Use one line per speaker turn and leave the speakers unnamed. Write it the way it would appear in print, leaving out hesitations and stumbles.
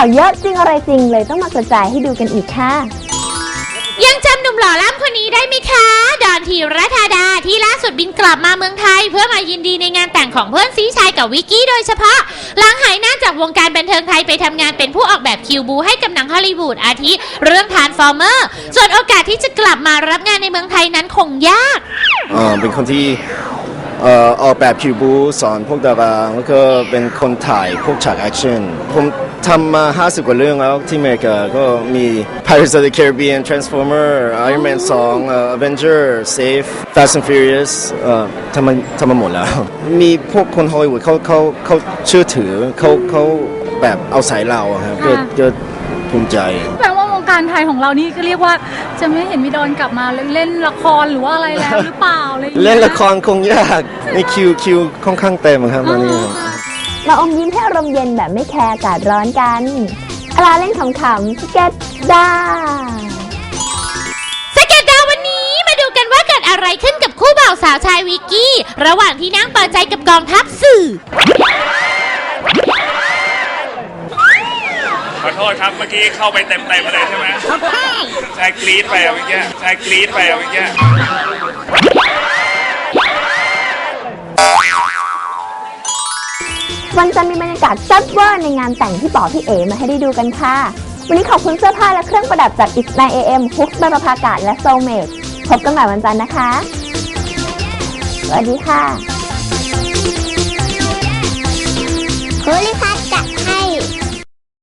าวเยอะจริงอะไรจริงเลยต้องมากระจายให้ดูกันอีกค่ะ
ยังจำหนุ่มหล่อล่ำคนนี้ได้ไหมคะดอนธีรธาดาที่ล่าสุดบินกลับมาเมืองไทยเพื่อมายินดีในงานแต่งของเพื่อนซีชายกับวิกกี้โดยเฉพาะหลังหายหน้าจากวงการบันเทิงไทยไปทำงานเป็นผู้ออกแบบคิวบูให้กับหนังฮอลลีวูดอาทิเรื่องทรานส์ฟอร์เมอร์ส่วนโอกาสที่จะกลับมารับงานในเมืองไทยนั้นคงยาก
เป็นคนที่ออกแบบคิวบูสอนพวกดาราแล้วก็เป็นคนถ่ายพวกฉากแอคชั่นผมทำมา50 กว่าเรื่องแล้วที่อเมริกาก็มี Pirates of the Caribbean Transformer Iron Man 2 Avenger Safe Fast and Furious ทำมาหมดแล้วมีพวกคนฮอลลีวูดเขาเชื่อถือเขาแบบเอาสายเราครับก็ภูมิใจ
แปลว่าวงการไทยของเรานี่ก็เรียกว่าจะไม่เห็นมีดอนกลับมาเล่นละครหรือว่าอะไรแล้วหรือเปล่า
เล่นละครคงยากในคิวค่อนข้างเต็มครับตอนนี้
มาอมยิ้มให้อารมณ์เย็นแบบไม่แคร์อากาศร้อนกันอลาเล่นขำๆสเก็ตดาว
สเก็ตดาววันนี้มาดูกันว่าเกิดอะไรขึ้นกับคู่บ่าวสาวชายวิกกี้ระหว่างที่นั่งเปิดใจกับกองทัพสื่อ
ขอโทษครับเมื่อกี้เข้าไปเต็มเลยใช่ไหมชายกรี๊ดไปเมื่อกี้
วันจันทร์มีบรรยากาศแซ่บเวอร์ในงานแต่งที่ป๋อพี่เอ๋มาให้ได้ดูกันค่ะวันนี้ขอบคุณเสื้อผ้าและเครื่องประดับจาก X9AM ฮุกบรรพากาศและโซเมดพบกันใหม่วันจันทร์นะคะสวัสดีค่ะ
โพลิพั